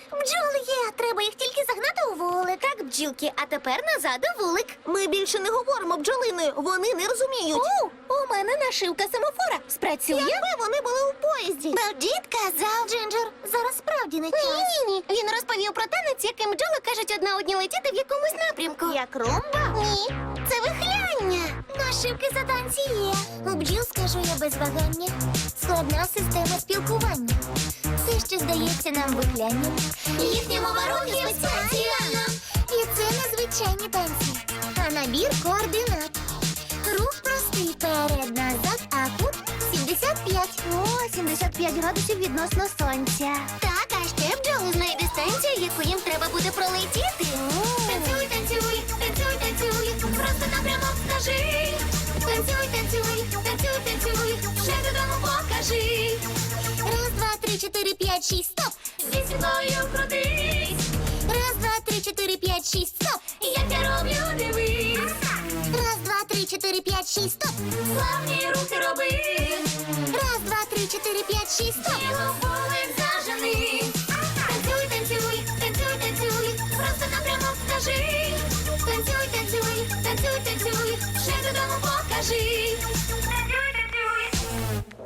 Бджоли є, треба їх тільки загнати у вулик. Так, бджілки, а тепер назад у вулик. Ми більше не говоримо бджолиною, вони не розуміють. У мене нашивка семафора. Спрацює? Якби вони були у поїзді. Дід казав. Джинджер, зараз справді не час. Ні. Він розповів про танець, яким бджоли кажуть одна одній летіти в якомусь напрямку. Як румба? Ні, це вихляння. Нашивки за танці є. У бджіл, скажу я без вагання, складна система спілкування. Все, що здається нам вихлянням. Їхня мова рухів спеціальна. І це незвичайні танці, а набір координат. Рух простий перед-назад, а кут 75. О, 75 градусів відносно сонця. Так, а ще бджоли знають дистанцію, яку їм треба буде пролетіти. Танцюй, танцюй, танцюй, танцюй, просто напрямок скажи. Танцюй, танцюй, танцюй, танцюй, вже додому покажи. Раз, два, три, чотири, п'ять, шість, стоп. Зі мною крутись. Раз, два, три, чотири, п'ять, шість, стоп. Як я роблю, дивись. Раз, два, три, чотири, п'ять, шість, стоп. Славні рухи роби. Раз, два, три, чотири, п'ять, шість, стоп. Тіло вулик зажени. Танцюй, танцюй, танцюй, танцюй, просто напрямок скажи. Танцюй, танцюй, танцюй, танцюй, вже додому покажи.